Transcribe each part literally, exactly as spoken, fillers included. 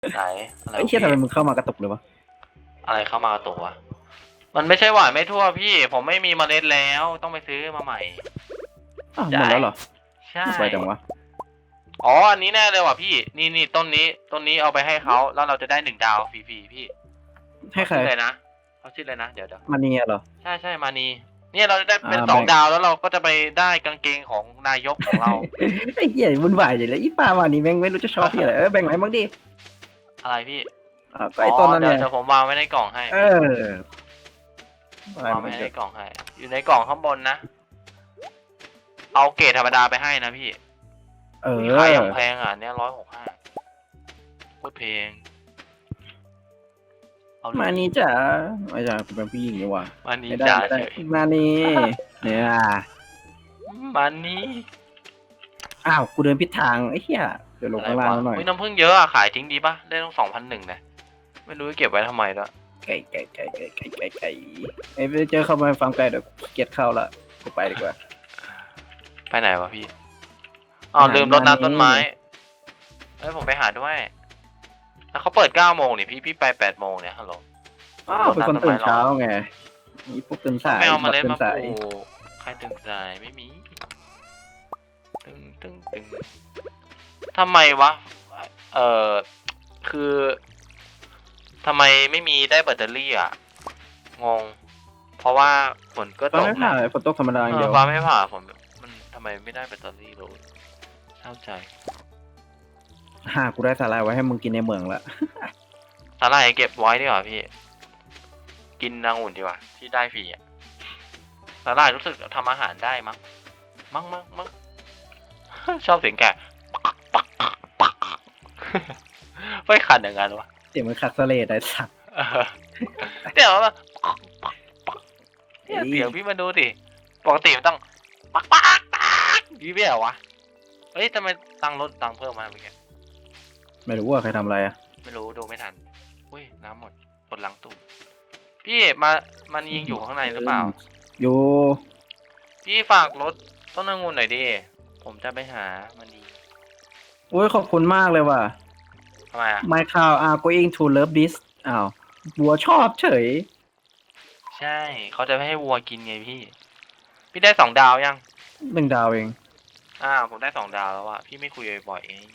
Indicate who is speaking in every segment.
Speaker 1: ไหนอะไร
Speaker 2: ไอ้เชี่ยทำไมมึงเข้ามากระตุกเลยวะ
Speaker 1: อะไรเข้ามากระตุกวะมันไม่ใช่หวานไม่ทั่วพี่ผมไม่มีเมล็ดแล้วต้องไปซื้อมาใหม่
Speaker 2: อ้าวหมด
Speaker 1: จ่าย
Speaker 2: แล้วเหรอ
Speaker 1: ใช่
Speaker 2: ไปจังวะ
Speaker 1: อ๋ออันนี้แน่เลยว่ะพี่นี่นี่ต้นนี้ต้นนี้เอาไปให้เขาแล้วเราจะได้หนึ่งดาวฟรีๆพี่
Speaker 2: ให้
Speaker 1: เขา
Speaker 2: ใคร
Speaker 1: ชื่ออะไรนะเขาชื่ออะไรนะเดี๋ยวเดี๋ยว
Speaker 2: มาเนียเหรอ
Speaker 1: ใช่ใช่มานีเนี่ยเราจะได้เป็น
Speaker 2: อ่าแบ่ง
Speaker 1: สองดาวแล้วเราก็จะไปได้กางเกงของนายกของเรา
Speaker 2: ไอ้เหี้ยวุ่นวายอย่างเลยอีป้ามานี่แม่งไม่รู้จะชอบที่อะไรเออแบ่งไหนบ้างดิ
Speaker 1: อะไรพี่
Speaker 2: อ่าก็
Speaker 1: อ๋อ
Speaker 2: ไอ้ต้นนั่น
Speaker 1: เดี๋ยว
Speaker 2: เนี่ย
Speaker 1: เดี๋ยวผมวางไว้ในกล่องให้
Speaker 2: เอออะไร
Speaker 1: วางไว้
Speaker 2: มันจะ
Speaker 1: ในกล่องให้อยู่ในกล่องข้างบนนะเอาเกรดธรรมดาไปให้นะพี่
Speaker 2: เออ
Speaker 1: มีขายอย่างแพงอ่ะเนี่ยร้อยหกห้าโคตรแพงเอาดิ
Speaker 2: มานี่จ๋าไม่ใช่กูเป็นผู้หญิงนี่หว่า
Speaker 1: มานี
Speaker 2: ไม่ได้
Speaker 1: จ่า
Speaker 2: ไม่ได้
Speaker 1: เฉย
Speaker 2: มานี่เนี่ย
Speaker 1: มานี
Speaker 2: อ้าวกูเดินผิดทางไอ้เหี้ยเดี๋ยวลง
Speaker 1: อะไร
Speaker 2: ข้างล่าง
Speaker 1: วะ
Speaker 2: หน่อย
Speaker 1: อุ้ยน้ำผึ้งเยอะอ่ะขายทิ้งดีปะได้ต้องสองพันหนึ่งนะไม่รู้จะเก็บไว้ทำไมด้วย
Speaker 2: ไก่ไก่ไก่ไก่ไก่ไก่ไก่ไอ้ไปเจอเข้ามาฟาร์มไก่เดี๋ยวเกียดเข้าละกูไปดีกว่า
Speaker 1: ไปไหนวะพี่อ๋อ
Speaker 2: ไปหา
Speaker 1: ลืมรด
Speaker 2: มานี
Speaker 1: น้ำต้นไม้เอ้ยผมไปหาด้วยแล้วเขาเปิดเก้าโมงนี่พี่พี่ไปแปดโมงเนี่ยฮัลโหล
Speaker 2: อ้าวเป็นคนตื่นเช้าไงนี่พวกตื่นสาย
Speaker 1: ไม่เอาเมาเล็ด
Speaker 2: ตื่
Speaker 1: มาน ป
Speaker 2: สาย
Speaker 1: ลูกใครตึงใจไม่มีตึงตึงตึงทำไมวะเออคือทำไมไม่มีได้แบตเตอรี่อ่ะงงเพราะว่าฝนก็
Speaker 2: ตอ
Speaker 1: ต
Speaker 2: น
Speaker 1: ก
Speaker 2: ไม่ผ่า
Speaker 1: นะ
Speaker 2: ฝนตกธรรมดาอย่าง
Speaker 1: เอ
Speaker 2: เดี
Speaker 1: อ
Speaker 2: ยว
Speaker 1: ฟ้าไม่ผ่าฝนมันทำไมไม่ได้แบตเตอรี่เลยเศร้าใจ
Speaker 2: หากูได้สาหร่ายไว้ให้มึงกินในเมืองละ
Speaker 1: สาหร่ายเก็บไว้ดีกว่าพี่ กินนางอุ่นดีกว่าที่ได้ฟรีอ่ะสาหร่ายรู้สึกทำอาหารได้มั้งมั้งมั้งมั้ง ชอบเสียงแกะไม่ขันอย่างนั้นวะ
Speaker 2: เสียงมันขัดสะเลดไอ้สัตว์
Speaker 1: เออเดี๋ยวมาเนี่ยเสียงพี่มาดูสิปกติมันต้องปักปักปักยี่ไม่เหรอวะเฮ้ยทำไมตังค์ลดตังค์เพิ่มมาเมื่อกี้
Speaker 2: ไม่รู้ว่าใครทำอะไรอ่ะ
Speaker 1: ไม่รู้ดูไม่ทันอุ้ยน้ำหมดกดล้างตู้พี่มามันยิงอยู่ข้างในหรือเปล่า
Speaker 2: อยู่
Speaker 1: พี่ฝากรถต้นองุ่นหน่อยดิผมจะไปหามันดี
Speaker 2: โอ้ยขอบคุณมากเลยว่ะ
Speaker 1: ทำไมอ่ะ
Speaker 2: My cow are going to love this อ้าวบัวชอบเฉย
Speaker 1: ใช่เขาจะไม่ให้วัวกินไงพี่ พี่ได้สองดาวยัง
Speaker 2: หนึ่งดาวเอง
Speaker 1: อ่าผมได้สองดาวแล้วอะพี่ไม่คุยบ่อยๆเอง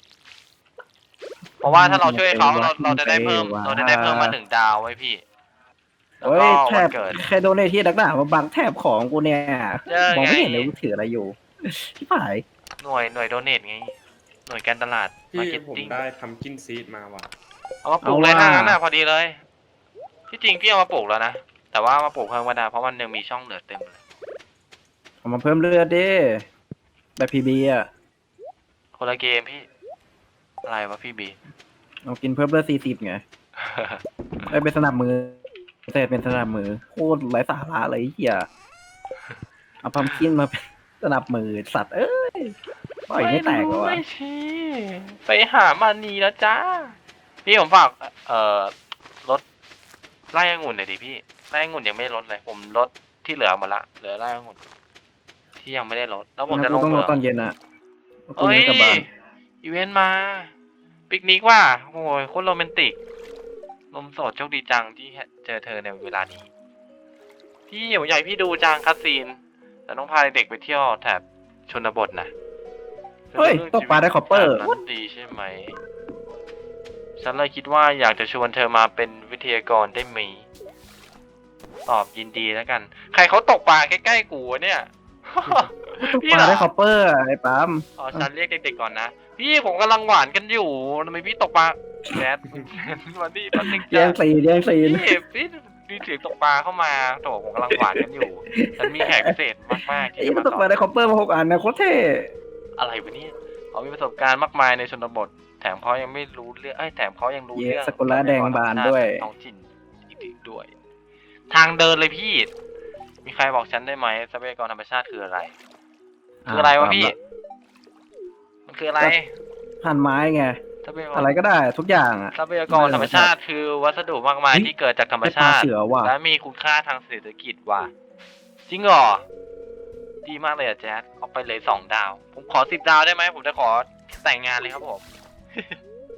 Speaker 1: เพราะว่าถ้าเราช่วยเขาเราเราจะได้เพิ่มเราจะได้เพิ่มมาหนึ่งดาวไว้พี่แล้ว
Speaker 2: เฮ้
Speaker 1: ก็
Speaker 2: ยแถ
Speaker 1: วัน
Speaker 2: บ
Speaker 1: เกิด
Speaker 2: ใครโดนในที่ดักหนามาบังแถบของกูเนี่ย
Speaker 1: เจอ
Speaker 2: มอง
Speaker 1: ไง
Speaker 2: ไม่เห็นเลยกูถืออะไรอยู่ที่ผาย
Speaker 1: หน่วยหน่วยโดเนทไงหน่วยการตลาด
Speaker 3: พี่
Speaker 1: มาร์เก็ต
Speaker 3: ผม
Speaker 1: ติ้ง
Speaker 3: ได้ทำกินซีดมาว่ะ
Speaker 1: เอามาปลูกเลยถ้างั้นน่ะพอดีเลยที่จริงพี่เอามาปลูกแล้วนะแต่ว่ามาปลูกเพิ่มมาได้เพราะมันยังมีช่องเหลือเต็มเลย
Speaker 2: เอามาเพิ่มเลือดดิแบบพีบีอ่ะ
Speaker 1: คนละเกมพี่อะไรวะพี่บี
Speaker 2: เอากินเพิ่มเลือดสี่สิบไงไอ้เป็นสนับมือแต่เป็นสนับมือโคตรไร้สาระเลยไอ้เหี้ยเอาพัมคินมาเป็นสนับมือสัตว์เอ้ยปล่อยไม่แตกเหรอวะ
Speaker 1: ไม่ชี้ไปหามานีแล้วจ้าพี่ผมฝากเอ่อรถไล่องุ่นหน่อยดิพี่ไล่องุ่นยังไม่ได้ลดเลยผมลดที่เหลือหมดละเหลือไล่องุ่นที่ยังไม่ได้ลดแล้วผมจะลง
Speaker 2: ต้อง
Speaker 1: เห
Speaker 2: ร
Speaker 1: มื
Speaker 2: อ
Speaker 1: อง
Speaker 2: ตอนเย็นอ่ะกู
Speaker 1: เอ้ย
Speaker 2: ยังกลับบ้าน
Speaker 1: อีเวนต์มาปิกนิกว่ะโอ้ยโคตรโรแมนติกลมโสดโชคดีจังที่เจอเธอในเวลานี้พี่ผมอยากให้พี่ดูจังคัสซีนแต่ต้องพาเด็กไปเที่ยวแถบชนบทนะ
Speaker 2: เฮ้ยตกปลาได้คอปเปอร์
Speaker 1: นั้นดีใช่ไหม ฉันเลยคิดว่าอยากจะชวนเธอมาเป็นวิทยากรได้ไหมตอบยินดีแล้วกัน ใครเขาตกปลาใกล้ๆกูวะเนี่ย
Speaker 2: ตกปลาได้คอปเปอร์อะไอ้ปั๊ม
Speaker 1: อ๋อฉันเรียกเด็กๆก่อนนะ พี่ผมกำลังหวานกันอยู่ทำไมพี่ตกปลาแดดวันนี้ตอนนึง
Speaker 2: แย่งซีนแย่งซีน
Speaker 1: พี่พี่มีเสียงตกปลาเข้ามาโถผมกำลังหวานกันอยู่ ฉันมีแขกพิเศษมากๆ
Speaker 2: ไอ้
Speaker 1: ที่จะ
Speaker 2: มัน
Speaker 1: มา
Speaker 2: ตกปลาได้คอปเปอร์มาหกอันนะโคตรเท่
Speaker 1: อะไรวะเนี่ยเขามีประสบการณ์มากมายในชนบท แถมเขายังไม่รู้เรื่องไอ้ยแถมเขายังรู้
Speaker 2: เย้
Speaker 1: เรื่อง
Speaker 2: สกุลาแดงบานด้วย
Speaker 1: ท้องถิ่นอีกด้วย ทางเดินเลยพี่ มีใครบอกฉันได้ไหมทรัพยากรธรรมชาติคืออะไร คืออะไรวะพี่ มันคืออะไร
Speaker 2: ผ่านไม้ไง
Speaker 1: ทรัพยากร
Speaker 2: อะไรก็ได้ทุกอย่างอ่ะ
Speaker 1: ทรัพยากรธรรมชาติคือวัสดุมากมายที่เกิดจากธรรมชาติ
Speaker 2: ได้ปลาเสือว่ะ
Speaker 1: และมีคุณค่าทางเศรษฐกิจว่ะจริงเหรอดีมากเลยอะแจ๊ดเอาไปเลยสองดาว ผมขอสิบดาวได้ไหมผมจะขอแต่งงานเลยครับผม ผ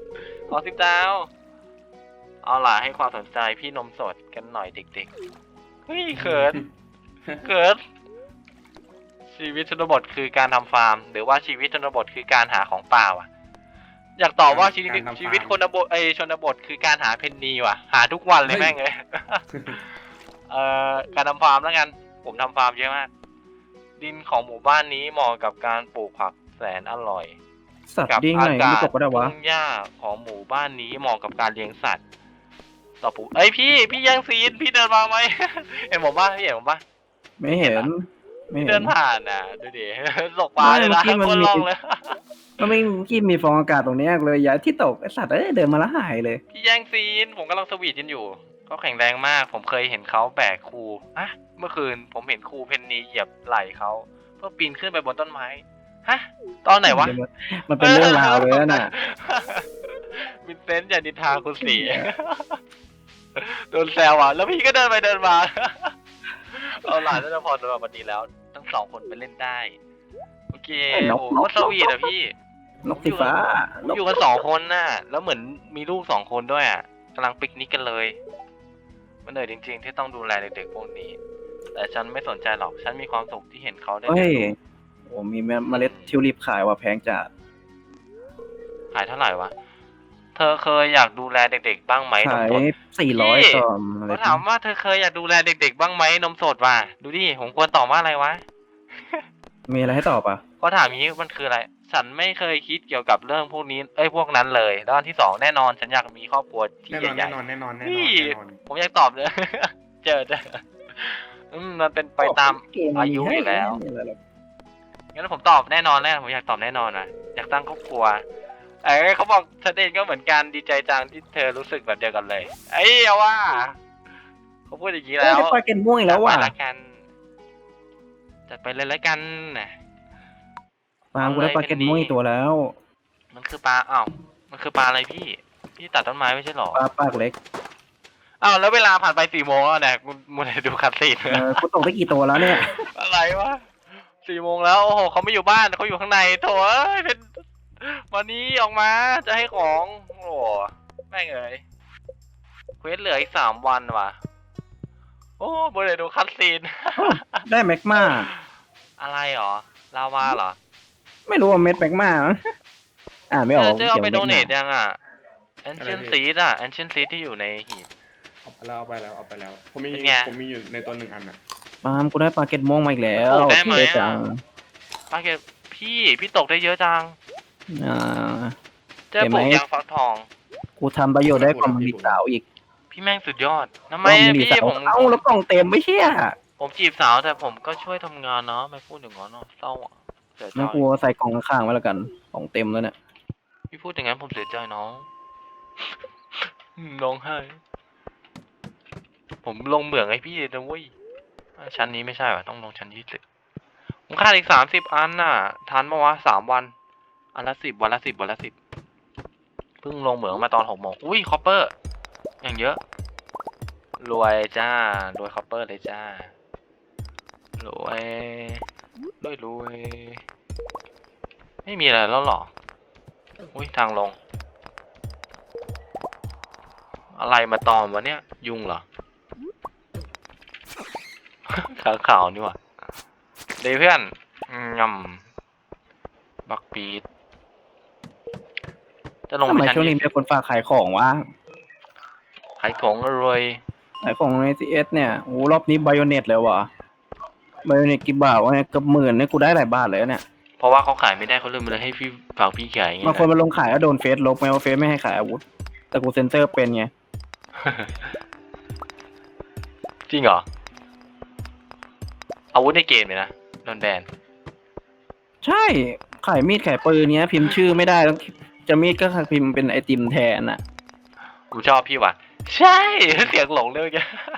Speaker 1: ขอสิบดาวเอาล่ะให้ความสนใจพี่นมสดกันหน่อยเด็กๆเฮ้ยเขินเขินชีวิตชนบทคือการทำฟาร์มหรือว่าชีวิตชนบทคือการหาของป่าว่ะอยากตอบว่าชีวิตชีวิตคนบทไอชนบทคือการหาเพนนีว่ะหาทุกวันเลยแม่งเลย เอ่อการทำฟาร์มแล้วกันผมทำฟาร์มเยอะมากดินของหมู่บ้านนี้เหมาะกับการปลูกผักแสนอร่อย
Speaker 2: สัตว์
Speaker 1: กับ
Speaker 2: ดิ้งไหน
Speaker 1: อากา
Speaker 2: ไม่
Speaker 1: ศ
Speaker 2: ตกก็ได้วะ
Speaker 1: ทุ่งหญ้าของหมู่บ้านนี้เหมาะกับการเลี้ยงสัตว์ต่อปูเอ้ยพี่พี่ยังซีนพี่เดินมาไหม เห็นผมป่ะพี่เห็นผมป่ะ
Speaker 2: ไม่เห็น ไม่
Speaker 1: พี่
Speaker 2: เห็
Speaker 1: เดิ
Speaker 2: น
Speaker 1: นผ่านอ่ะดูดิ ตกปลาเลยนะ
Speaker 2: ไม่เมื่อกี้มัน
Speaker 1: คน
Speaker 2: มี
Speaker 1: ลองเลย
Speaker 2: ก็ไม่กี้มีฟองอากาศตรงเนี้ยเลยย้ายที่ตกไอสัตว์เอ้ยเดินมาแล้วหายเลย
Speaker 1: พี่แย่งซีนผมกำลังสวีทกันอยู่เขาแข็งแรงมาก ผมเคยเห็นเขาแบกครูอะเมื่อคืนผมเห็นครูเพนนีเหยียบไหล่เขาเพื่อปีนขึ้นไปบนต้นไม้ฮะตอนไหนวะ
Speaker 2: มันเป็นเรื่องราวเลยนะน่ะ
Speaker 1: วินเซนต์อย่านินทาคุณสี โดนแซวอ่ะแล้วพี่ก็เดินไปเดินมา เอาหลานน่าจะพอสำหรับวันนี้แล้ว ทั้งสองคนไปเล่นได้ โอเค
Speaker 2: ไอ้น
Speaker 1: โอ้
Speaker 2: ก
Speaker 1: โห
Speaker 2: นก
Speaker 1: ก็สวีทอ่ะพี่
Speaker 2: นกสีฟ้า นก
Speaker 1: อยู่กันสองคนน่ะ แล้วเหมือนมีลูกสองคนด้วยอ่ะกำลังปิกนิกกันเลย มันเหนื่อยจริงๆที่ต้องดูแลเด็กๆพวกนี้ แต่ฉันไม่สนใจหรอก ฉันมีความสุขที่เห็นเขาได้
Speaker 2: เฮ้
Speaker 1: เรีย
Speaker 2: ย
Speaker 1: นรู้
Speaker 2: โอ้มีเมล็ดทิวลิปขายว่ะแพงจัด
Speaker 1: ขายเท่าไหร่วะ เธอเคยอยากดูแลเด็กๆบ้างไหมน
Speaker 2: ขาม ย
Speaker 1: สด
Speaker 2: สี่ร้อย
Speaker 1: พี่
Speaker 2: ต่อเมล็
Speaker 1: เขา
Speaker 2: ด
Speaker 1: ถามว่าเธอเคยอยากดูแลเด็กๆบ้างไหมนมสดว่ะ ดูดิ ผมควรตอบว่าอะไรวะ
Speaker 2: มีอะไรให้ตอบอ่ะ
Speaker 1: เขาถามอย่างนี้มันคืออะไร ฉันไม่เคยคิดเกี่ยวกับเรื่องพวกนี้ เอ้ยพวกนั้นเลยแล้วอันที่สองแน่นอน ฉันอยากมีครอบครัวที่
Speaker 3: แน่นอน
Speaker 1: ใหญ่
Speaker 3: แน่นอนแน่นอน
Speaker 1: ๆ
Speaker 3: แน่นอน
Speaker 1: พี่
Speaker 3: แน่นอน
Speaker 1: ผมอยากตอบเลย เจอเจออืมมันเป็นไปตาม อายุอยู่แล้ว
Speaker 2: ไม่มีอะไรหรอก
Speaker 1: งั้นผมตอบแน่นอนแน่ผมอยากตอบแน่นอนนะอยากตั้งครอบครัว เอ้ยเขาบอกชัดเจนก็เหมือนกันดีใจจังที่เธอรู้สึกแบบเดียวกันเลย เอ้ยเอาว่าเขาพูดอย่างนี้
Speaker 2: เอ้
Speaker 1: แล้
Speaker 2: ยว ได้ปลาเกนม่วงอีกแล้วว่ะ
Speaker 1: จัดไปละกันจัดไปเลยละกันนะ
Speaker 2: ปลากูได้ปลาเกนม่วงอีกตัวแล้ว
Speaker 1: มันคือปลาอ้าวมันคือปลาอะไรพี่ พี่ตัดต้นไม้ไม่ใช่หรอ
Speaker 2: ปลาปากเล็ก
Speaker 1: อ้าวแล้วเวลาผ่านไปสี่โมงแล้วเนี่ยกูมัวแต่ดูคัตซีน
Speaker 2: เออกูตกได้กี่ตัวแล้วเนี่ย
Speaker 1: อะไรวะสี่โมงแล้วโอ้โหเขาไม่อยู่บ้านเขาอยู่ข้างในโถ่เอ้ยเป็นวันนี้ออกมาจะให้ของโอ้โหแม่งเอ้ยเควสเหลืออีกสามวันว่ะโอ้บริเวณดูคัตซีน
Speaker 2: ได้แมกมา
Speaker 1: อะไรหรอลาวาเหรอ
Speaker 2: ไม่รู้ว่าเม็ดแมกมาอ่านไม่ออก
Speaker 1: เจะเอาไป
Speaker 2: ขียน
Speaker 1: โด
Speaker 2: แมก
Speaker 1: เน
Speaker 2: มา
Speaker 1: ทยังอ่ะ ancient seed อ่ะ ancient seed ที่อยู่ในหีบ
Speaker 3: เอาไปแล้วเอาไปแล้วเอาไปแล้ว ผมมี
Speaker 1: เป็นไง
Speaker 3: ผมมีอยู่ในตัวหนึ่งอันอ่ะ
Speaker 2: ปาล์มกูได้ปลาเกนม่วงมาอีกแล้ว
Speaker 1: โอ้ได้ไหม
Speaker 2: เท่
Speaker 1: อะ
Speaker 2: จัง
Speaker 1: ป้าเกดพี่พี่ตกได้เยอะจัง
Speaker 2: อ่า
Speaker 1: เจอ
Speaker 2: เห็น
Speaker 1: ป
Speaker 2: ไหม
Speaker 1: ลูกยางฟักทอง
Speaker 2: กูทำประโยชน์ได้กล่องมีสาวอีก
Speaker 1: พี่แม่งสุดยอดทำ
Speaker 2: ก
Speaker 1: ไม
Speaker 2: ล่อง
Speaker 1: อะ
Speaker 2: มี
Speaker 1: พี่
Speaker 2: สาว
Speaker 1: ผม
Speaker 2: เอ้าแล้วกล่องเต็มไม่เชี่ย
Speaker 1: ผมจีบสาวแต่ผมก็ช่วยทำงานเนาะไม่พูดอย่างนั้นเนาะเศร้าอ่ะเสียใจ
Speaker 2: งั้นกูใส่กล่องข้างๆไว้แล้วกันกล่องเต็มแล้วเนี่ย
Speaker 1: พี่พูดอย่างนั้นผมเสียใจน้อง อืมร้องไห้ ผมลงเหมืองไอ้พี่นะเว้ยอ่ะชั้นนี้ไม่ใช่ว่ะต้องลงชั้นยี่สิบผมขาดอีกสามสิบอันน่ะทันปะวะสามวัน อันละสิบวันละสิบวันละสิบเพิ่งลงเหมืองมาตอนหกโมงอุ้ยคอปเปอร์ อย่างเยอะ รวยจ้ารวยคอปเปอร์เลยจ้ารวยรวยรวยไม่มีอะไรแล้วหรออุ้ยทางลง อะไรมาตอมวะเนี่ย ยุงเหรอ ขาขาวนี่หว่าเดยวเพื่อนงำบักปีดจะลง
Speaker 2: ทำ
Speaker 1: ไป
Speaker 2: ไม
Speaker 1: ชั้น
Speaker 2: ช่วงนี้
Speaker 1: ยี่
Speaker 2: มีคนฝากขายของวะ
Speaker 1: ขายของอร่อย
Speaker 2: ขายของในซีเอสเนี่ยโอ้รอบนี้ไบโอเน็ตเลยว่ะไบโอเน็ตกี่บาทวะเนี่ยเกับหมื่นเนี่ยกูได้หลายบาทเลยเนี่ย
Speaker 1: เพราะว่าเขาขายไม่ได้เขาเลยมาเลยให้พี่ฝากพี่ขายไง
Speaker 2: บางคนมาลงขายก็โดนเฟซลบไงว่าเฟซไม่ให้ขายอาวุธ แต่กูเซ็นเซอร์เป็นไง
Speaker 1: จริงเหรอ อาวุธในเกมเลยนะโดนแบน
Speaker 2: ใช่ ขายมีดขายปืนเนี้ย พิมพ์ชื่อไม่ได้ต้องจะมีดก็พิมพ์เป็นไอติมแทนอ่ะ
Speaker 1: กูชอบพี่ว่ะ ใช่ เสียงหลงเลยแก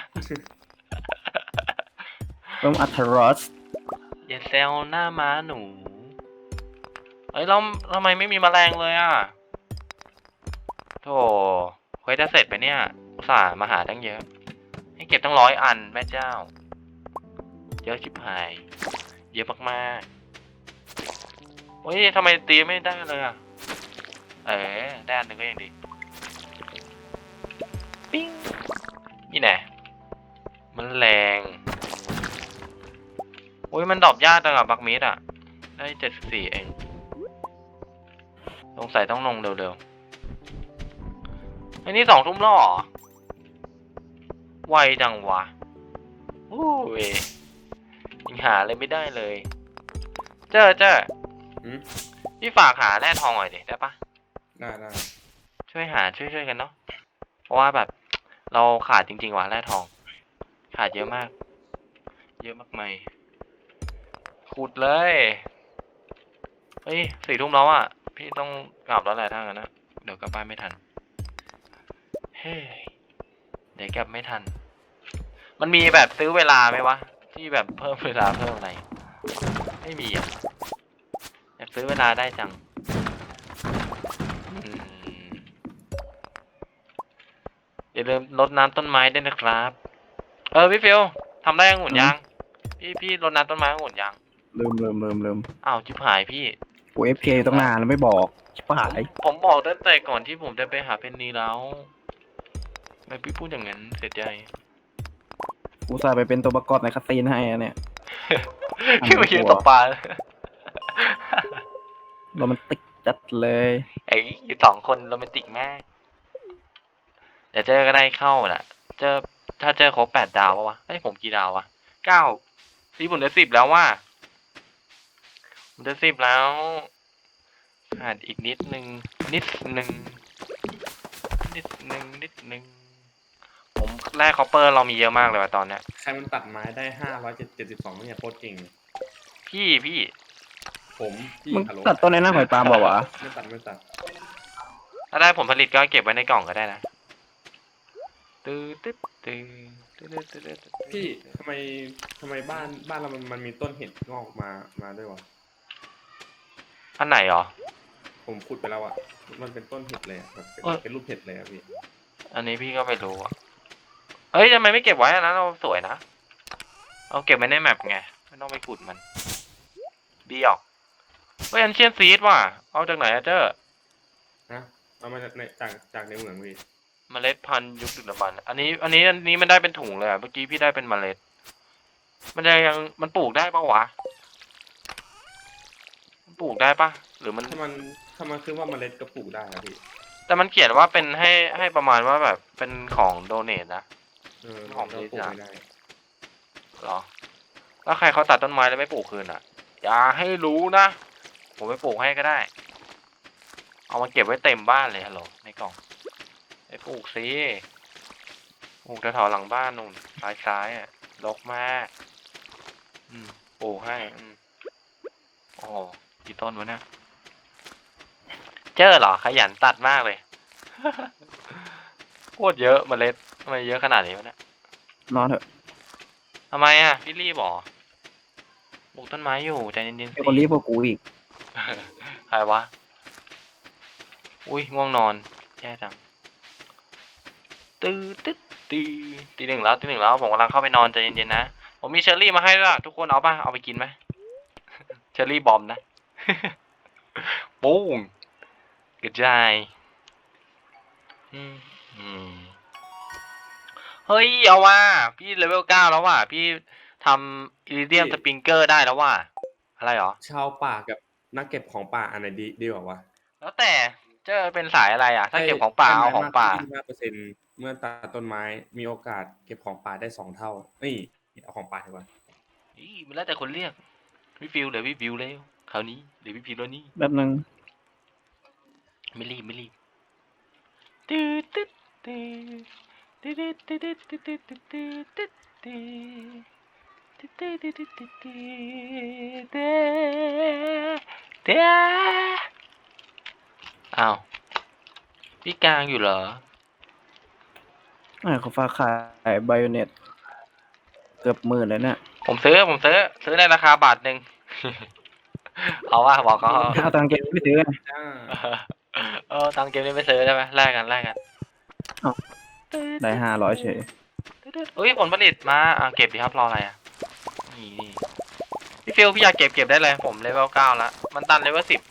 Speaker 2: เริ่มอัทรอส
Speaker 1: อย่าแซวหน้าม้าหนูเฮ้ยเราทำไมไม่มีแมลงเลยอ่ะโธ่เควสจะเสร็จไปเนี่ยอุตส่าห์มาหาตั้งเยอะ ให้เก็บตั้งร้อยอันแม่เจ้า เยอะชิบหาย เยอะมากๆเฮ้ยทำไมตีไม่ได้เลยอ่ะ เอ๋ได้อันหนึ่งก็ยังดียากจังอะบักมิดอะได้เจ็ดสิบสี่เองสงสัยต้องลงเร็วๆไอ้นี่สองทุ่มแล้วเหรอไวจังวะโอ้ยยังหาอะไรไม่ได้เลย เจ้าเจ้า
Speaker 3: อืม
Speaker 1: พี่ฝากหาแร่ทองหน่อยดิได้ปะ
Speaker 3: ได้ได้
Speaker 1: ช่วยหาช่วยช่วยกันเนาะเพราะว่าแบบ เราขาดจริงๆว่ะแร่ทอง ขาดเยอะมาก เยอะมากมายขุดเลยเฮ้ยสี่ทุ่มแล้วอ่ะพี่ต้องกลับแล้วแหละถ้างั้นนะเดี๋ยวกลับบ้านไม่ทันเฮ้ยเดี๋ยวกลับไม่ทัน มันมีแบบซื้อเวลาไหมวะที่แบบเพิ่มเวลาเพิ่มอะไรไม่มีอ่ะอยากซื้อเวลาได้จังอืมอย่าลืมรดน้ำต้นไม้ด้วยนะครับเออพี่ฟิวทำได้องุ่นยังพี่พี่รดน้ำต้นไม้องุ่นยัง
Speaker 2: ลืมลืมลืมลืม
Speaker 1: อ้าวจิบหายพี่
Speaker 2: กูเอฟเคตั้งนานแล้วไม่บอกชิบหาย
Speaker 1: ผมบอกตั้งแต่ก่อนที่ผมจะไปหาเพนนีแล้วทำไมพี่พูดอย่างนั้นเสียใจ
Speaker 2: กูสายไปเป็นตัวประกอบในคาซีนให้อะเนี่ย
Speaker 1: พี่มายืนตบปลา
Speaker 2: โรแมนติกจัดเลย
Speaker 1: ไอ้อยู่สองคนโรแมนติกมากเดี๋ยวเจอก็ได้เข้าแหละเจอถ้าเจอครบแปดดาวปะวะไอ้ยผมกี่ดาววะเก้าสีผมได้สิบแล้วว่าผมได้สิบแล้วขาดอีกนิดนึงนิดนึงนิดนึงนิดนึงผมแร่คอปเปอร์เรามีเยอะมากเลยว่ะตอนเนี้ย
Speaker 3: ใครมันตัดไม้ได้ห้าร้อยเจ็ดสิบสองเนี่ยโคตรเก่ง
Speaker 1: พี่พี่
Speaker 3: ผมพี่
Speaker 2: มึง
Speaker 3: ฮัลโหล
Speaker 2: ตัดต้นในหน้าหอยปาล์มบอกว่าวะ
Speaker 3: ไม่ตัดไม่ตัด
Speaker 1: ถ้าได้ผลผลิตก็เก็บไว้ในกล่องก็ได้นะตื้อตึ๊ดตื้อตื้อตื้อตื้อตื้อ
Speaker 3: พี่ทำไมทำไมบ้านบ้านเรามันมันมีต้นเห็ดงอกมามาด้วยวะ
Speaker 1: อันไหนหรอ
Speaker 3: ผมขุดไปแล้วอ่ะมันเป็นต้นเห็ดเลยอะแบบเป็น
Speaker 1: เอ้ย
Speaker 3: เป็นรูปเห็ดเลยอ่ะพี่
Speaker 1: อันนี้พี่ก็ไม่รู้อ่ะเฮ้ยทำไมไม่เก็บไว้อันนั้นเราสวยนะเอาเก็บไว้ในแมปไงไม่ต้องไปขุดมันดีออกเฮ้ยอันเชียนซีดว่ะเอาจากไหนอะเจ้า
Speaker 3: ฮะเอามาจากในจากจากในเหมืองพี่
Speaker 1: เมล็ดพันธุ์ยุคดึกดำบรรพ์อันนี้ อันนี้อันนี้มันได้เป็นถุงเลยอะเมื่อกี้พี่ได้เป็นเมล็ด มันจะยังมันปลูกได้ปะวะมันปลูกได้ปะหรือมัน
Speaker 3: ถ้ามันถ้ามันคือว่าเมล็ดก็ปลูกได้นะพี่
Speaker 1: แต่มันเขียนว่าเป็นให้ให้ประมาณว่าแบบเป็นของโดเนทนะ
Speaker 3: เออ
Speaker 1: ของ
Speaker 3: เรา
Speaker 1: บริ
Speaker 3: ปลูก
Speaker 1: จาค
Speaker 3: ไม่ได้
Speaker 1: เหรอแล้วใครเขาตัดต้นไม้แล้วไม่ปลูกคืนอ่ะ อย่าให้รู้นะ ผมไปปลูกให้ก็ได้ เอามาเก็บไว้เต็มบ้านเลยฮัลโหลในกล่องไปปลูกสิปลูกแถวๆหลังบ้านนู่นซ้ายซ้ายๆอ่ะรกมากอืมปลูกให้อืมโอ้โหกี่ต้นวะเนี่ยเจอเหรอขยันตัดมากเลย โคตรเยอะเมล็ดทำไมเยอะขนาดนี้วะเนี่ย
Speaker 2: นอนเถอะ
Speaker 1: ทำไมอ่ะพี่รีบเหรอปลูกต้นไม้อยู่ใจเย็นๆ
Speaker 2: มี
Speaker 1: สิ
Speaker 2: คนรีบกว่ากูอีก
Speaker 1: ใครวะ อุ้ยง่วงนอนแย่จังตื้อตึ๊ดตีตีหนึ่งแล้วตีหนึ่งแล้วผมกำลังเข้าไปนอนใจเย็นๆนะผมมีเชอร์รี่มาให้ด้วยทุกคนเอาป่ะเอาไปกินไหม เชอร์รี่บอมนะ ปุ้งกระจายอืมอืมเฮ้ยเอาว่าพี่เลเวลเก้าแล้วว่ะพี่ทำอิริเดียมสปริงเกอร์ได้แล้วว่ะอะไรหรอ
Speaker 3: ชาวป่ากับนักเก็บของป่าอันไหนดีดีกว่าวะ
Speaker 1: แล้วแต่เจะเป็นสายอะไรอ่ะ ถ้าเก็บของป่าเอาของป่า
Speaker 3: ห้าเปอร์เซ็นต์เมื่อตัดต้นไม้มีโอกาสเก็บของป่าได้สองเท่านี่เอาของป่าดีกว่า
Speaker 1: อีมันแล้วแต่คนเรียกพี่ฟิวเหลือพี่ฟิวแล้วคราวนี้เหลือพี่ฟิวแล้วนี่
Speaker 2: แบบนึง
Speaker 1: ไม่รีบไม่รีบตืดตืดตืดตืดตืดตืดตืดตืดตืดตืดตืดตืดตืดตืดตืดตืดตืดตืดอ้าวพี่กลางอยู่เหรอ
Speaker 2: อ่าเขาฝากขายไบโอเน็ตเกือบหมื่นเลยเนี่ย
Speaker 1: ผมซื้อผมซื้อซื้อในราคาบาทหนึ่ง เอาว่าบอกเขา
Speaker 2: เอาตังค์เก็บไม่ซื้อไง
Speaker 3: จ้า
Speaker 1: เออตังเกมนี้ไม่ซื้อใช่ไหมแลกกันแลกกัน
Speaker 2: ได้ห้าร้อยเฉย
Speaker 1: เฮ้ยผลผลิตมาอ่ะเก็บดีครับรออะไรอ่ะนี่นี่พี่ฟิลพี่อยากเก็บเก็บได้เลยผมเลเวลเก้าแล้วมันตันเลเวลสิบ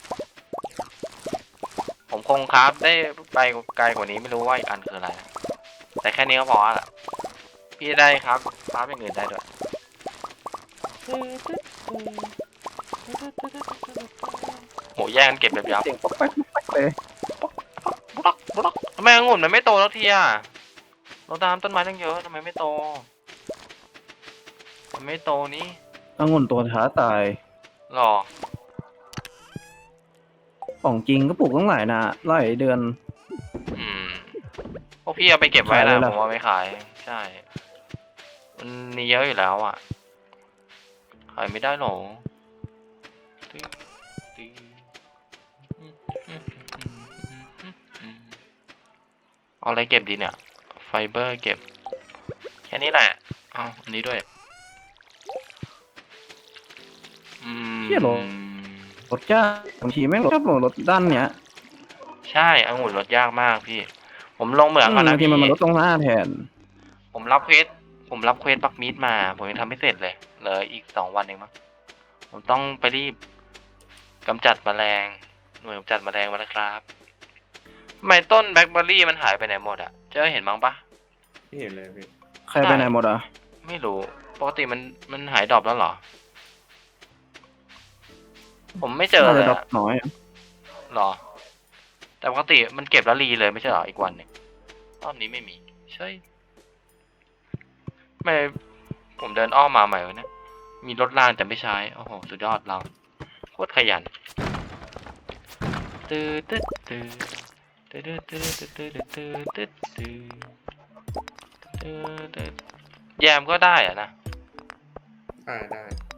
Speaker 1: ผมคงคราฟได้ไปไกลกว่านี้ไม่รู้ว่าอีกอันคืออะไรนะแต่แค่นี้ก็พอละพี่ได้ครับคราฟอย่างอื่นได้ด้วยโหแย่งกันเก็บแบบยับ
Speaker 2: เสียงป๊อกแป๊กป๊อกแป๊กเลย
Speaker 1: บล็อกบล็อกทำไมองุ่นมันไม่โตแล้วทีอ่ะเราตามต้นไม้ตั้งเยอะทำไมไม่โตมันไม่โตนี่
Speaker 2: องุ่นตัวท้าตาย
Speaker 1: หรอ
Speaker 2: ของจริงก็ปลูกตั้งหลายนะหลายเดือน
Speaker 1: อืมพวกพี่เอาไปเก็บไว้
Speaker 2: ขายเล
Speaker 1: นะ
Speaker 2: ยเหร
Speaker 1: ผ
Speaker 2: อ
Speaker 1: มเอาไปขาย ใช่ มันมีเยอะอยู่แล้วอ่ะ ขายไม่ได้หรอติ๊งติ๊งเอาอะไรเก็บดีเนี่ย ไฟเบอร์เก็บ แค่นี้แหละเอาอันนี้ด้วย อืม
Speaker 2: เหี้ยเหรอ รถยากบางทีแม่งรถชอบลงรถด้านเนี้ย
Speaker 1: ใช่องุ่นลดยากมากพี่ ผมลงเหมืองก่อน
Speaker 2: บา
Speaker 1: นะ
Speaker 2: งที
Speaker 1: พี่
Speaker 2: มันมาลดตรงหน้าแทน
Speaker 1: ผมรับเควส ผมรับเควสบักมีดมา ผมยังทำไม่เสร็จเลย เหลืออีกสองวันเองมั้ง ผมต้องไปรีบกำจัดแมลง หน่วยกำจัดแมลงมาแล้วครับทำไมต้นแบล็คเบอร์รี่มันหายไปไหนหมดอะเจอเห็นบ้างปะ
Speaker 3: ไม่เห็นเลยพี่
Speaker 2: ใครไปไหนหมดอ่ะ
Speaker 1: ไม่รู้ ปกติมันมันหายดรอปแล้วเหรอ ผมไม่เจอ
Speaker 2: น่า
Speaker 1: เล
Speaker 2: จะ
Speaker 1: ย
Speaker 2: ดรอป
Speaker 1: อะ
Speaker 2: น้อย
Speaker 1: หรอ แต่ปกติมันเก็บแล้วรีเลยไม่ใช่เหรออีกวันหนึ่งรอบนี้ไม่มี ใช่ไม่ผมเดินอ้อมมาใหม่วะเนี่ย มีรถรางแต่ไม่ใช้ โอ้โห สุดยอดเราโคตรขยันตื้อตื้อตื้อตื้อตื้อตื้อตื้อตื้อตื้อตื้อตื้อตื้อแยมก็ได้อะนะ
Speaker 3: อ่าได้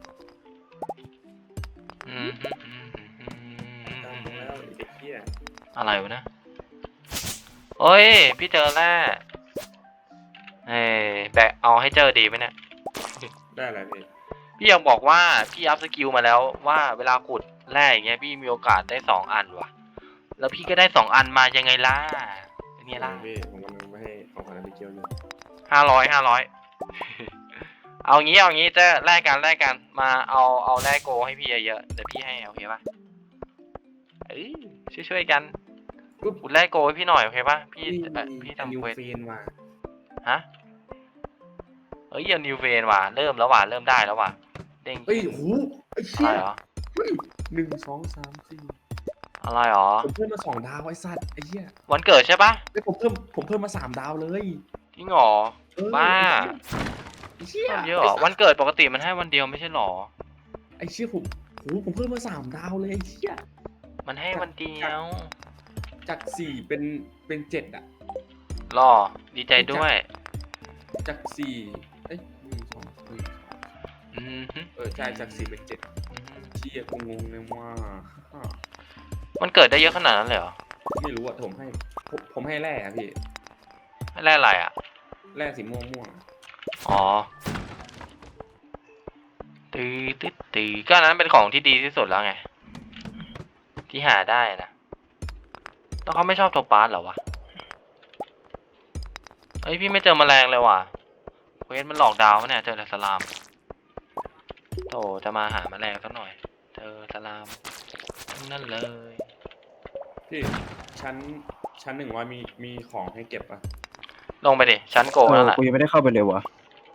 Speaker 1: อืมฮึอืมฮึอืม
Speaker 3: ตาม
Speaker 1: ฮึ
Speaker 3: มาแล้วไอ้เด็กเหี้ย
Speaker 1: อะไรวะนะโอ้ย พี่เจอแร่เอ้ยแบกเอาให้เจอดีไหมเนี่ย
Speaker 3: ได้อะไรพี่
Speaker 1: พี่ยังบอกว่าพี่อัพสกิลมาแล้วว่าเวลาขุดแร่อย่างเงี้ยพี่มีโอกาสได้สองอันว่ะ แล้วพี่ก็ได้สองอันมายังไงล่ะเป็นไงล่ะ
Speaker 3: พี่ผมกำลังไปให้ของขวัญไปเกี่ยวอยู่
Speaker 1: ห้าร้อยห้าร้อย เอางี้เอางี้เจะแลกกันแลกกันมาเอาเอาแลกโกให้พี่เยอะๆเดี๋ยวพี่ให้โอเคปะเอ้ยช่วยๆกันขุดแลกโกให้พี่หน่อยโอเคปะพี่เอ่อพี่ทำ
Speaker 3: นิว
Speaker 1: เควส
Speaker 3: เฟนมา
Speaker 1: ฮะเอ้ยเอานิวเวนว่ะเริ่มแล้วว่ะเริ่มได้แล้วว่ะเด้ง
Speaker 3: เฮ้ยโหไอ้
Speaker 1: อะ
Speaker 3: เชี่
Speaker 1: ไร
Speaker 3: ย
Speaker 1: เหรอ
Speaker 3: เฮ้ยหนึ่งสองสามสี่
Speaker 1: อะไรเหรอ
Speaker 3: ผมเพิ่มมาสองดาวไอ้สัตว์ไอ้เหี้ย
Speaker 1: วันเกิดใช่ปะ
Speaker 3: ไอ้ยผมเพิ่มผมเพิ่มมาสามดาวเลย
Speaker 1: จริงเหรอ
Speaker 3: เออ
Speaker 1: บ้า
Speaker 3: ไอ้เชี่ย
Speaker 1: เพิ่มเยอะเหรอวันเกิดปกติมันให้วันเดียวไม่ใช่เหรอ
Speaker 3: ไอ้เชี่ยผมโหผมเพิ่มมาสามดาวเลยไอ้เชี่ย
Speaker 1: มันให้วันเดียว
Speaker 3: จากสี่เป็นเป็นเจ็ดอะ
Speaker 1: รอดีใจด้วย
Speaker 3: จากสี่เอ้ยหนึ่งสองหนึ่ง
Speaker 1: อืมฮึ
Speaker 3: เออใช่จากสี่เป็นเจ็ด
Speaker 1: อืม
Speaker 3: เชี่ยกูงงเลยว่า
Speaker 1: มันเกิดได้เยอะขนาดนั้นเลยเหรอ
Speaker 3: ไม่รู้อะผมให้ผมผมให้แร่อะพี่
Speaker 1: ให้แร่อะไรอ่ะ
Speaker 3: แร่สีม่วงม่วง
Speaker 1: อ๋อตื้อตื้อตื้อก็อันนั้นเป็นของที่ดีที่สุดแล้วไง ที่หาได้นะแล้วเขาไม่ชอบโทปาสเหรอวะเฮ้ยพี่ไม่เจอแมลงเลยว่ะเควสมันหลอกดาวน์วะเนี่ยเจอแต่สลามโธ่จะมาหาแมลงสักหน่อย เจอสลามทั้งนั่นเลย
Speaker 3: พี่ชั้นชั้นหนึ่งร้อยมีมีของให้เก็บปะ
Speaker 1: ลงไปดิชั้นโก
Speaker 2: เอ
Speaker 1: นั่
Speaker 2: อน
Speaker 1: แหละ
Speaker 2: กูยังไม่ได้เข้าไปเลยวะ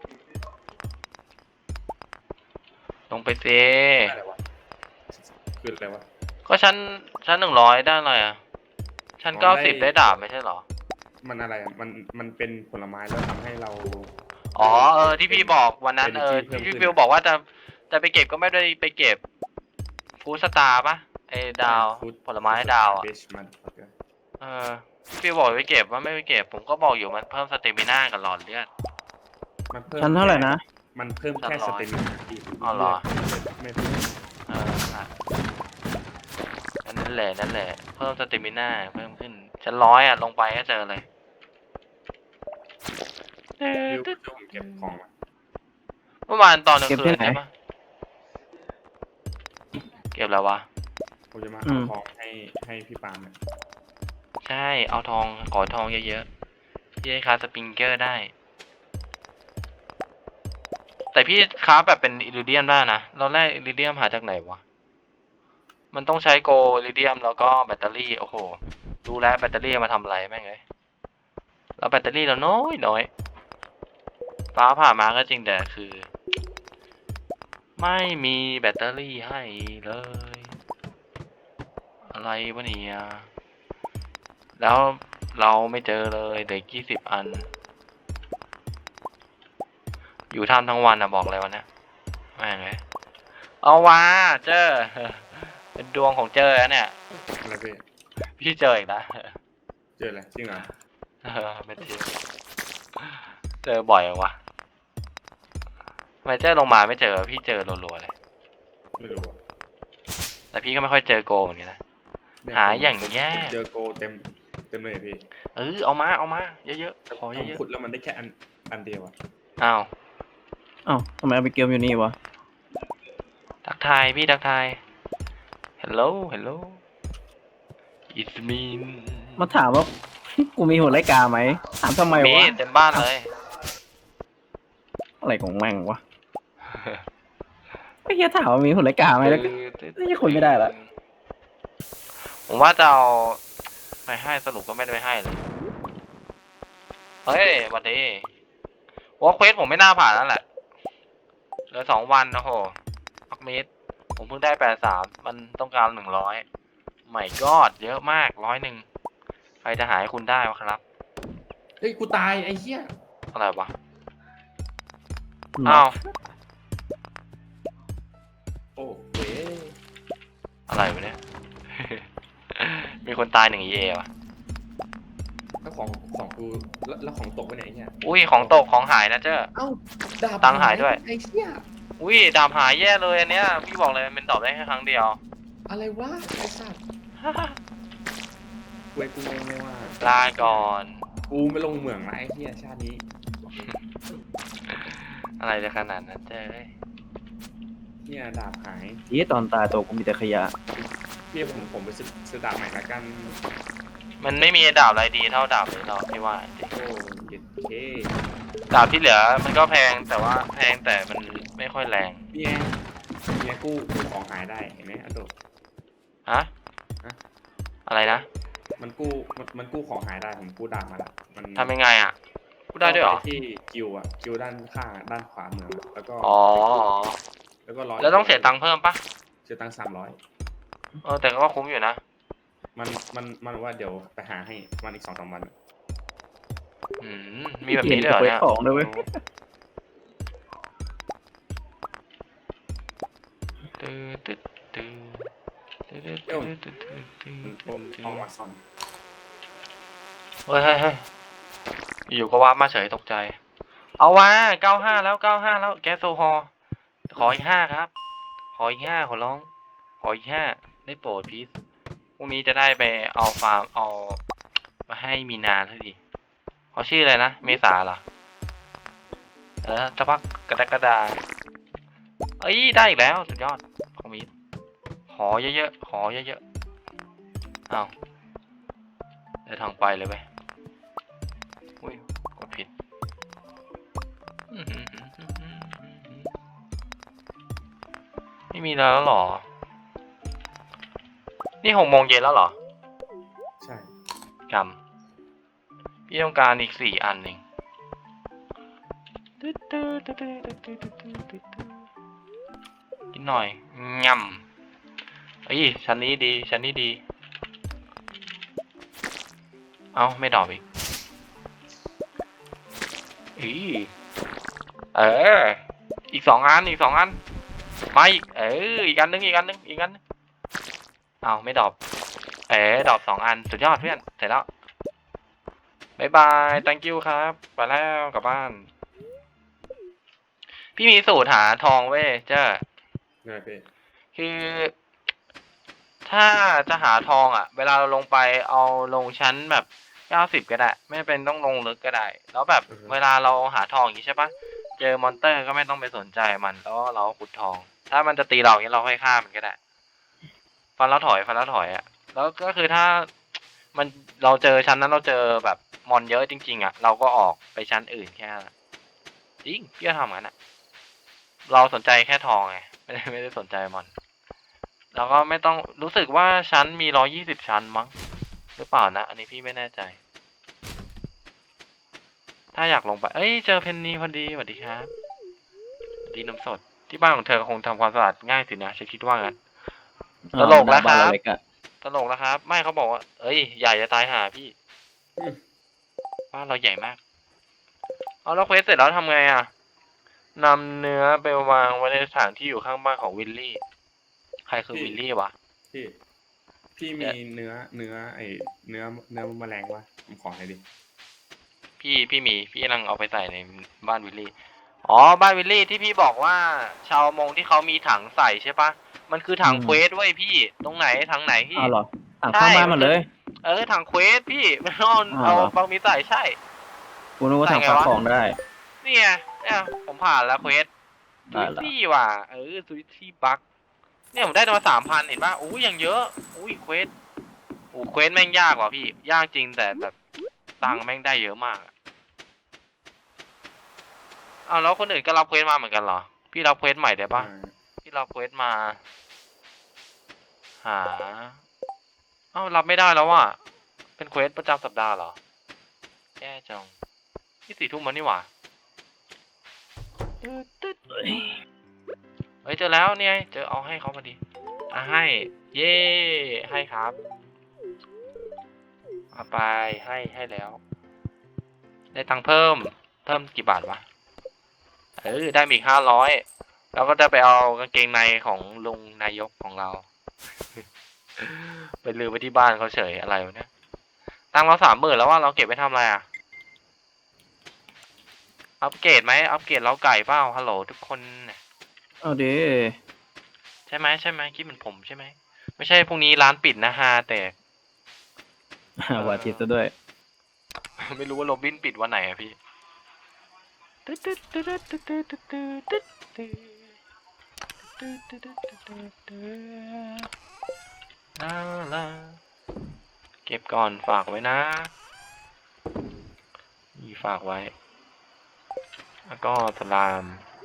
Speaker 1: ลงไปเซ
Speaker 3: ได้อะไรวะคืออะไรวะ
Speaker 1: ก็ชั้นชั้นหนึ่งร้อยได้อะไรอ่ะ ชั้น
Speaker 3: อ๋อ
Speaker 1: เก้า
Speaker 3: ได้
Speaker 1: สิบได้ดาบไม่ใช่เหรอ
Speaker 3: มันอะไรอะมันมันเป็นผลไม้แล้วทำให้เรา
Speaker 1: อ๋อเออที่พี่บอกวันนั้น
Speaker 3: เป็น
Speaker 1: เออ
Speaker 3: ที่
Speaker 1: ที่
Speaker 3: เพิ่ม
Speaker 1: พี่
Speaker 3: ขึ้น
Speaker 1: ฟิวบอกว่าจะจะไปเก็บก็ไม่ได้ไปเก็บฟูสตาร์ปะไอ้ดาว
Speaker 3: ฟู้ด
Speaker 1: ผลไม้ดาวอ่ะ
Speaker 3: เบชมัน
Speaker 1: เออพี่ฟิวบอกไปเก็บว่าไม่ไปเก็บ ผมก็บอกอยู่มันเพิ่มสเตมิน่ากับหลอดเลือด
Speaker 3: มันเพิ่ม
Speaker 2: ชั้นเท่าไหร่นะ
Speaker 3: มันเพิ่มแค่
Speaker 1: ชั้
Speaker 3: ส
Speaker 1: นร้อย
Speaker 3: เตมินาพี่
Speaker 1: อ๋อเหรอ
Speaker 3: ไม่เพิ่ม
Speaker 1: เอออ่ะนั่นแหละนั่นแหละ เพิ่มสเตมิน่าเพิ่มขึ้นชั้นร้อยอ่ะลงไปก็เจอเลย
Speaker 3: ฟิวช่วยผมเก็บของมา
Speaker 1: เมื่อวานตอนกลาง
Speaker 2: เก็บ
Speaker 1: คื
Speaker 2: ที่
Speaker 1: น
Speaker 2: ไหน
Speaker 1: ใช่ปะเก็บแล้ววะ
Speaker 3: ผมจะมา
Speaker 2: อื
Speaker 3: เอา
Speaker 2: ม
Speaker 3: ของให้ให้พี่ปาล์มเนี่ย
Speaker 1: ใช่ เอาทอง ขอทองเยอะๆ พี่ให้คาสปริงเกอร์ได้ แต่พี่คราฟแบบเป็นอิริเดียมได้นะ เราแรกอิริเดียมหาจากไหนวะ มันต้องใช้โกอิริเดียมแล้วก็แบตเตอรี่ โอ้โห ดูแลวแบตเตอรี่มาทำอะไรแม่งเลยแล้วแบตเตอรี่เราน้อยน้อยฟ้าผ่ามาก็จริงแต่คือไม่มีแบตเตอรี่ให้เลย อะไรวะเนี่ยแล้วเราไม่เจอเลยเด็กยี่สิบอัน อยู่ท่ามทั้งวันอะบอกเลยวันนี้แม่งเลยเอาวะเจอ เป็นดวงของเจอแล้วเนี่ย
Speaker 3: อะไรพี่
Speaker 1: พี่เจออีกแล้ว
Speaker 3: เจออะไรจริงเหรอ
Speaker 1: เออไม่เจอเจอบ่อยเหรอวะทำไมเจอลงมาไม่เจอพี่เจอรัวๆเลย
Speaker 3: ไม่รู้อะ
Speaker 1: แต่พี่ก็ไม่ค่อยเจอโกเหมือนกันนะ
Speaker 3: เนี่ย
Speaker 1: หาอย่างแย่
Speaker 3: เจอโกเต็มเต็มเลยอะพี่
Speaker 1: เออเอามาเอามาเยอะๆขอ
Speaker 3: ผม
Speaker 1: เยอะ
Speaker 3: ขุดแล้วมันได้แค่อันอันเดียวอะ
Speaker 1: ๆอ้าว
Speaker 2: อ้าวทำไมเอาไปเกมอยู่นี่วะ
Speaker 1: ทักทายพี่ทักทาย hello hello it's me
Speaker 2: มาถามว่า กูมีหัวไรกาไหมถามทำไม
Speaker 1: มี
Speaker 2: วะ
Speaker 1: เต็มบ้านเลย
Speaker 2: อะไรของแม่งวะไอ้เหี้ยถามว่ามีหัวไรกาไหมแล้วก็ นี่คุยไม่ได้ละ
Speaker 1: ผมว่าจะเอาไปให้สรุปก็ไม่ได้ไปให้เลย เฮ้ยวันนี้ว่าเควสผมไม่น่าผ่านแล้วแหละเหลือสองวันนะโหพักเมตรผมเพิ่งได้แปดสามมันต้องการหนึ่งร้อยไม่กอดเยอะมากร้อยหนึ่งใครจะหายคุณได้วะครับ
Speaker 3: เฮ้ยกูตายไอ้เหี้ย
Speaker 1: อะไรวะอ้าว
Speaker 3: โอ้เว้ย
Speaker 1: อะไรวะเนี่ย มีคนตายหนึ่งเอวะ
Speaker 3: แล้วของของกูแล้วแล้วของตกไปไหนเนี่ย
Speaker 1: อุ้ยของตกของหายนะเจ้า
Speaker 3: เอ้าดาบ
Speaker 1: ตังค์หายด้วย
Speaker 3: ไอ้เหี้ย
Speaker 1: อุ้ยดาบหายแย่เลยอันเนี้ยพี่บอกเลยมันเป็นดอกได้แค่ครั้งเดียว
Speaker 3: อะไรวะไอ้สัตว์เว้ยกูงงเลยว่า
Speaker 1: ลาก่อน
Speaker 3: กูไม่ลงเหมืองละไอ้เหี้ยชาตินี้
Speaker 1: อะไรจะขนาดนั้นเจ้ย
Speaker 3: เนี่ยดาบหาย
Speaker 2: เหี้ยตอนตายตัวกูมีแต่ขยะ
Speaker 3: พี่ผมผมไปซื้อซื้อดาบใหม่ละกัน
Speaker 1: มันไม่มีดาบอะไรดีเท่าดาบนี้หรอกพี่ว่าจริง
Speaker 3: โอ้เย็ดเค
Speaker 1: ดาบที่เหลือมันก็แพงแต่ว่าแพงแต่มันไม่ค่อยแรง
Speaker 3: เนี่ยเนี่ยกู้กู้ของหายได้เห็นไหมอันโด
Speaker 1: ฮะ
Speaker 3: ฮะ
Speaker 1: อะไรนะ
Speaker 3: มันกู้มันมันกู้ของหายได้ผมกู้ดาบมาละมัน
Speaker 1: ทำยังไงอ่ะพูดได้ด้วยเหรอ
Speaker 3: ข้าปที่คิวอะคิวด้านข้างอะด้านขวามืออะแล้วก็
Speaker 1: อ๋อ
Speaker 3: แล้วก็ร้อย
Speaker 1: แล้วต้องเสียตังค์เพิ่มปะ
Speaker 3: เสียตังค์สามร้อย
Speaker 1: เออแต่ก็คุ้มอยู่นะ
Speaker 3: มันมันมันว่าเดี๋ยวไปหาให้มันอีกสองสามวัน
Speaker 1: อืมมีแบบนี้ด้วยเหรอเนี่ย
Speaker 2: ของด้วยเว้ย
Speaker 1: ตื้อตื้อตื้อตื้อตื้อตื้อตื้อ
Speaker 3: มัน
Speaker 1: ตื้
Speaker 3: ต้
Speaker 1: อ
Speaker 3: ม
Speaker 1: ตื้
Speaker 3: ทอง
Speaker 1: อ
Speaker 3: วัดซอน
Speaker 1: เฮ้ยเฮ้ยเฮ้ยอยู่ก็ว่ามาเฉยตกใจ เอาวะเก้าห้าแล้วเก้าห้าแล้วแก๊สโซฮอล์ขออีกห้าครับ ขออีกห้าขอร้อง ขออีกห้าได้โปรดพีซพรุ่งนี้จะได้ไปเอาฟาร์มเอามาให้มีนาสักทีเขาชื่ออะไรนะ เมษาเหรอ เออสักพักกระดากระดา เอ้ยได้อีกแล้วสุดยอดของมีดขอเยอะๆขอเยอะๆเอาเดินทางไปเลยเว้ยอุ้ยกดผิดไม่มีแล้วเหรอ นี่หกโมงเย็นแล้วเหรอ
Speaker 3: ใช่
Speaker 1: กำพี่ต้องการอีกสี่อันเองกินหน่อยง่ำเอ้ยชั้นนี้ดีชั้นนี้ดี เอ้าไม่ดอกอีกอีเออ อีกสองอันอีกสองอันมาอีกเอออีกอันนึงอีกอันนึงอีกอันนึงเอ้าไม่ดอกเอ๋ดอกสองอันสุดยอดเพื่อนเสร็จแล้วบายบาย thank you ครับไปแล้วกลับบ้าน พี่มีสูตรหาทองเว้ยเจ้า
Speaker 3: นี่นแหละพี่
Speaker 1: คือถ้าจะหาทองอ่ะ เวลาเราลงไปเอาลงชั้นแบบเก้าสิบก็ได้ ไม่เป็นต้องลงลึกก็ได้ แล้วแบบเวลาเราหาทองอย่างนี้ใช่ปะเจอมอนเตอร์ก็ไม่ต้องไปสนใจมันแล้วเราขุดทอง ถ้ามันจะตีเราอย่างนี้เราค่อยฆ่ามันก็ได้ ฟันแล้วถอยฟันแล้วถอยอ่ะ แล้วก็คือถ้ามันเราเจอชั้นนั้นเราเจอแบบมอนเยอะจริงๆอ่ะ เราก็ออกไปชั้นอื่นแค่นั้นจริงพี่ก็ทำงั้นอ่ะ เราสนใจแค่ทองไงไม่ได้ไม่ได้สนใจมอน แล้วก็ไม่ต้องรู้สึกว่าชั้นมีร้อยี่สิบชั้นมั้งหรือเปล่านะ อันนี้พี่ไม่แน่ใจ ถ้าอยากลงไป เอ้ยเจอเพนนีพอดีสวัสดีครับสวัสดีนมสดที่บ้านของเธอคงทำความสะอาดง่ายสินะฉันคิดว่างั้น
Speaker 2: อ๋อ
Speaker 1: ตลกแล้วครับ
Speaker 2: บ้านเราเล็กอะ
Speaker 1: ตลกแล้วครับ ไม่เขาบอกว่า เอ้ยใหญ่จะตายหาพี่
Speaker 3: อืม
Speaker 1: บ้านเราใหญ่มาก เอาแล้วเควสเสร็จแล้วทำไงอ่ะนำเนื้อไปวางไว้ในสถานที่อยู่ข้างบ้านของวิลลี่ ใครคือวิลลี่วะ
Speaker 3: พี่พี่มีเนื้อเนื้อไอเนื้อเนื้อแมลงวะผมขอหน่อยดิ
Speaker 1: พี่พี่มีพี่กำลังเอาไปใส่ในบ้านวิลลี่ อ๋อบ้านวิลลี่ที่พี่บอกว่า ชาวมงที่เขามีถังใส่ใช่ปะมันคือถังเควสเว้ยพี่ ตรงไหนถังไหนพี่
Speaker 2: อ้าวเหรออ่ะข้างบ้านมาเลย
Speaker 1: เออถังเควสพี่ไม่ต้อง
Speaker 2: อ้าว
Speaker 1: เอา
Speaker 2: เหรอ
Speaker 1: บางมีใส่ใช่
Speaker 2: กูนึกว่า
Speaker 1: ใส่
Speaker 2: ทาง
Speaker 1: ไง
Speaker 2: ฝาก
Speaker 1: วะ
Speaker 2: ของได้
Speaker 1: เนี่ยเนี่ยผมผ่านแล้วเควส
Speaker 2: ได้
Speaker 1: ซู
Speaker 2: ละ
Speaker 1: ซี่ว่ะเออซูซี่บักเนี่ยผมได้มาสามพันเห็นป่ะอู้ยังเยอะอุ้ยเควสโอ้เควสแม่งยากว่ะพี่ ยากจริงแต่แบบตังค์แม่งได้เยอะมากอะอ้าวแล้วคนอื่นก็รับเควสมาเหมือนกันเหรอ พี่รับเควสใหม่ได้ปะ
Speaker 3: อ่า
Speaker 1: พี่รับเควสมา หาเอ้ารับไม่ได้แล้วว่ะเป็นเควสประจำสัปดาห์เหรอแย่จังที่สี่ทุ่มมันนี่หว่าเฮ้ยเจอแล้วเนี่ยเจอเอาให้เขามาดิอ่ะให้ เย่ให้ครับเอาไปให้ให้แล้ว ได้ตังค์เพิ่มเพิ่มกี่บาทวะเออได้มาอีกห้าร้อยแล้วก็จะไปเอากางเกงในของลุงนายกของเรา ไปลืมไว้ที่บ้านเขาเฉยอะไรวะเนี่ยตังค์เราสามหมื่นแล้วว่าเราเก็บไว้ทำอะไรอ่ะอัปเกรดไหมอัปเกรดเราไก่เปล่าฮัลโหลทุกคนเนี่ย
Speaker 2: เอาดิ
Speaker 1: ใช่ไหมใช่ไหมคิดเหมือนผมใช่ไหมไม่ใช่พรุ่งนี้ร้านปิดนะฮาแต่
Speaker 2: ว่าจิตซะด้วย
Speaker 1: ไม่รู้ว่าโรบินปิดวันไหนอะพี่ลาลาเก็บก่อนฝากไว้นะนี่ฝากไว้ แล้วก็สลาม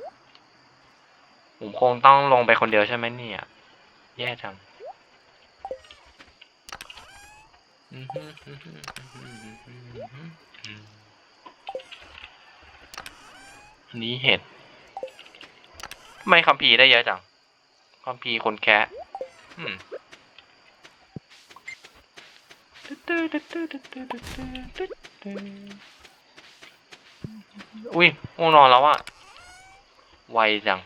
Speaker 1: ผมคงต้องลงไปคนเดียวใช่ไหมเนี่ย แย่จัง อันนี้เห็ดทำไมคัมภีร์ได้เยอะจังคัมภีร์คนแคะอืมอุ้ยง่วงนอนแล้วอะไวจัง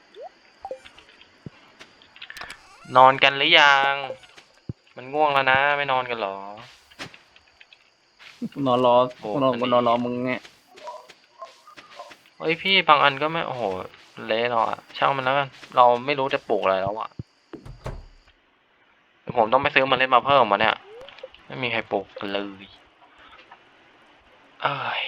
Speaker 1: นอนกันหรือยัง มันง่วงแล้วนะ ไม่นอนกันหรอ
Speaker 2: นอนรอ
Speaker 1: โอ้
Speaker 2: นอน
Speaker 1: อันนี้
Speaker 2: นอนรอมึงเนี่ย
Speaker 1: เฮ้ยพี่บางอันก็ไม่โอ้โหเละเราอะช่างมันแล้วกันเราไม่รู้จะปลูกอะไรแล้วอะเดี๋ยวผมต้องไปซื้อเมันเล่นมาเพิ่มมาเนี่ย ไม่มีใครปลูกกันเลยเอ้ย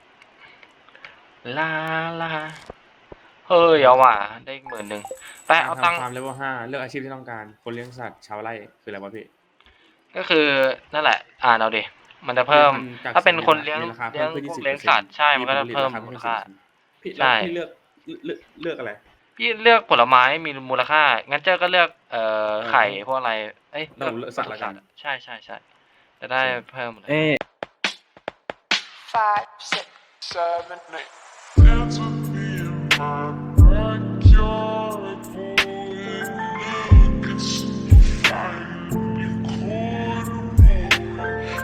Speaker 1: ลาลาเฮ้ยเอาว่ะได้อีกหมื่นหนึ่งไปเอาตังค์
Speaker 3: ทำฟาร์มเลเวลห้าเลือกอาชีพที่ต้องการคนเลี้ยงสัตว์ชาวไร่คืออะไรวะพี่
Speaker 1: ก็คือนั่นแหละ อ่านเอาดิมันจะเพิ่ม
Speaker 3: จาก
Speaker 1: ถ้าเป็นคนเลี้ยง
Speaker 3: มีราคา
Speaker 1: เลี้ยง
Speaker 3: เพิ่มขึ้น
Speaker 1: พวก
Speaker 3: ยี่สิบ
Speaker 1: เลี้ยงสัตว์ใช่มันก็จะ
Speaker 3: ผลิต
Speaker 1: เพิ่ม
Speaker 3: ราคา
Speaker 1: มู
Speaker 3: ขึ้
Speaker 1: ล
Speaker 3: น
Speaker 1: ค่า
Speaker 3: พี่
Speaker 1: ใช่
Speaker 3: แล้วพี่เลือกเลือกเลือกอะไร
Speaker 1: พี่เลือกผลไม้มีมูลค่า งั้นเจ้าก็เลือกเอ่อไข่พวกอะไร เอ้ย
Speaker 3: เราเลือกสัตว์ละกัน
Speaker 1: ใช่ใช่ใช่จะได้เพิ่มเลย
Speaker 2: เอ๊ะ
Speaker 4: five, six, seven, eight.
Speaker 5: Down to